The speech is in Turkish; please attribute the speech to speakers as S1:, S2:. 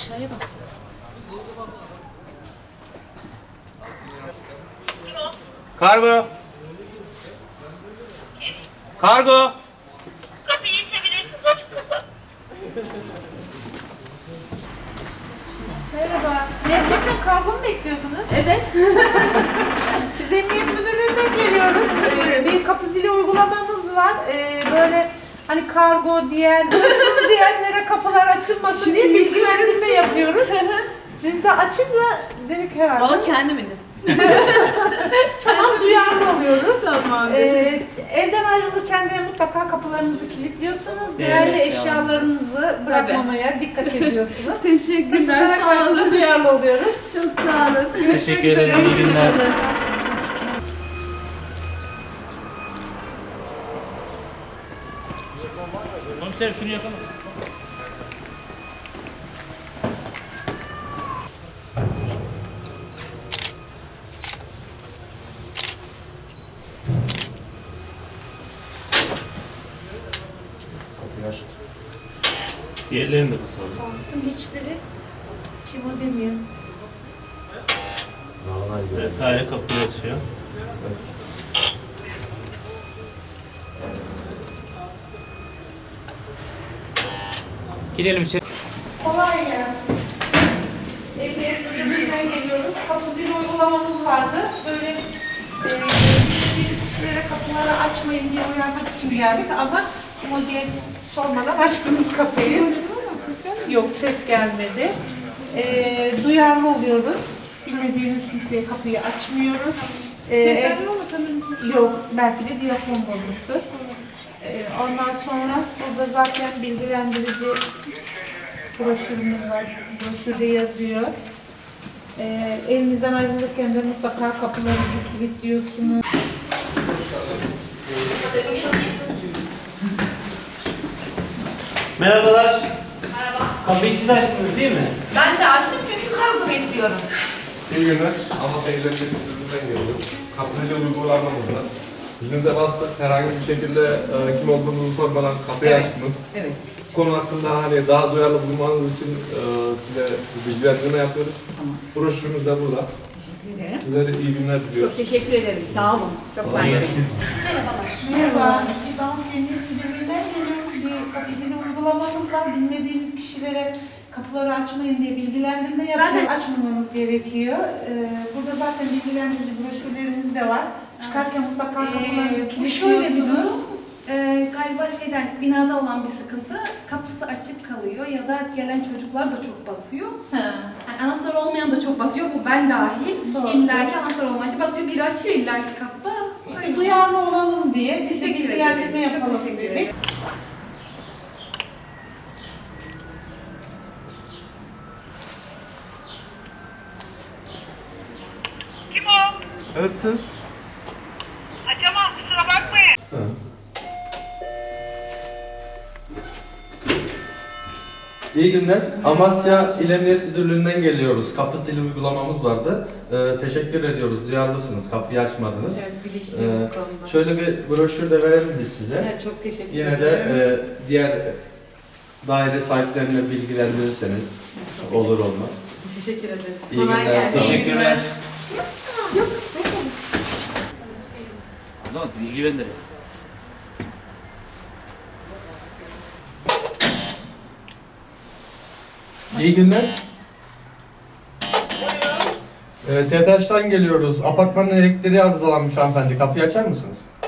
S1: Aşağıya bas.
S2: Kargo. Kargo.
S3: Kapıyı itebilirsiniz, açık kapı.
S4: Merhaba. Gerçekten kargo mu bekliyordunuz?
S1: Evet.
S4: Biz Emniyet Müdürlüğü'nden geliyoruz. Bir kapı zili uygulamamız var. Böyle hani kargo diyen, hırsız diyenlere kapılar açılmasın diye bilgilendirme yapıyoruz. Siz de açınca dedik herhalde.
S1: Valla kendim indim.
S4: Tamam, duyarlı oluyoruz.
S1: Tamam.
S4: Evden ayrılırken de mutlaka kapılarınızı kilitliyorsunuz. Değerli eşyalarınızı bırakmamaya dikkat ediyorsunuz.
S1: Teşekkürler.
S4: Sizlere
S1: Sağ
S4: karşı da
S1: olun.
S4: duyarlı oluyoruz.
S1: Çok sağ olun.
S2: Teşekkür ederim. İyi günler. Komiserim şunu yapalım. Diğerlerini de basalım.
S4: Bastım, hiçbiri kim o demiyor.
S2: Evet, daire kapıyı açıyor. Girelim içeri.
S4: Kolay gelsin. Emniyet Müdürlüğü'nden geliyoruz. Kapı zili uygulamamız vardı. Böyle bildiğiniz kişilere kapıları açmayın diye uyarmak için geldik ama kim o diye sormadan açtınız kapıyı. Yok, ses gelmedi. Duyarlı oluyoruz. Bilmediğimiz kimseye kapıyı açmıyoruz.
S1: Seslenme ama sanırım kimse.
S4: Yok, belki de diyafon bozuktur. Ondan sonra burada zaten bilgilendirici broşürümüz var. Broşürde yazıyor. Evinizden ayrılırken de mutlaka kapılarınızı kilitliyorsunuz.
S2: Merhabalar. Merhaba. Kapıyı siz açtınız değil mi?
S5: Ben de açtım çünkü kargo bekliyorum.
S6: İyi günler. Amasya İl Emniyet Müdürlüğü'nden geliyoruz. Kapıcı uygulamamız var. Zilinize bastık. Herhangi bir şekilde kim olduğunuzu sormadan kapıyı açtınız.
S5: Evet.
S6: Bu konu hakkında hani daha duyarlı bulunmanız için size bilgilendirme yapıyoruz.
S5: Tamam.
S6: Broşürümüz de burada.
S5: Teşekkür ederim.
S6: Size de iyi günler diliyoruz.
S5: Çok teşekkür ederim. Sağ olun. Çok
S2: Kolay gelsin.
S4: Merhaba, biz Amasya Emniyet Müdürlüğü'nden geliyoruz. Bir kapı zili uygulamamız var. Bilmediğiniz kişilere kapıları açmayın diye bilgilendirme yapıyoruz. Açmamanız gerekiyor. Burada zaten bilgilendirici broşürlerimiz de var. Çıkarken mutlaka kapılarınızı
S7: Bu şöyle bir
S4: kilitliyorsunuz.
S7: durum. Galiba binada olan bir sıkıntı. Kapısı açık kalıyor ya da gelen çocuklar da çok basıyor. Yani anahtar olmayan da çok basıyor. Bu ben dahil.
S4: Doğru.
S7: İlla ki anahtar olmayınca basıyor. Biri açıyor illa ki kapıda.
S4: İşte duyarlı olalım diye bize
S7: Teşekkür
S4: bilgilendirme
S7: ederiz. Çok
S4: yapalım
S7: teşekkür
S4: dedik.
S7: ederim.
S3: Kim o?
S6: Hırsız.
S3: Açamam, kusura bakmayın.
S8: İyi günler. Amasya İl Emniyet Müdürlüğü'nden geliyoruz. Kapı zili uygulamamız vardı. Teşekkür ediyoruz. Duyarlısınız. Kapıyı açmadınız.
S4: Evet, bilinçliyim bu konuda.
S8: Şöyle bir broşür de verelim biz size.
S4: Evet, çok teşekkür
S8: Yine
S4: ederim.
S8: de diğer daire sahiplerine bilgilendirirseniz olur olmaz.
S4: Teşekkür ederim.
S8: İyi
S4: Kolay
S8: günler.
S4: gelsin.
S2: Teşekkürler. O zaman bilgi bendir.
S8: İyi günler. TETAŞ'tan geliyoruz. Apartmanın elektriği arızalanmış hanımefendi. Kapıyı açar mısınız?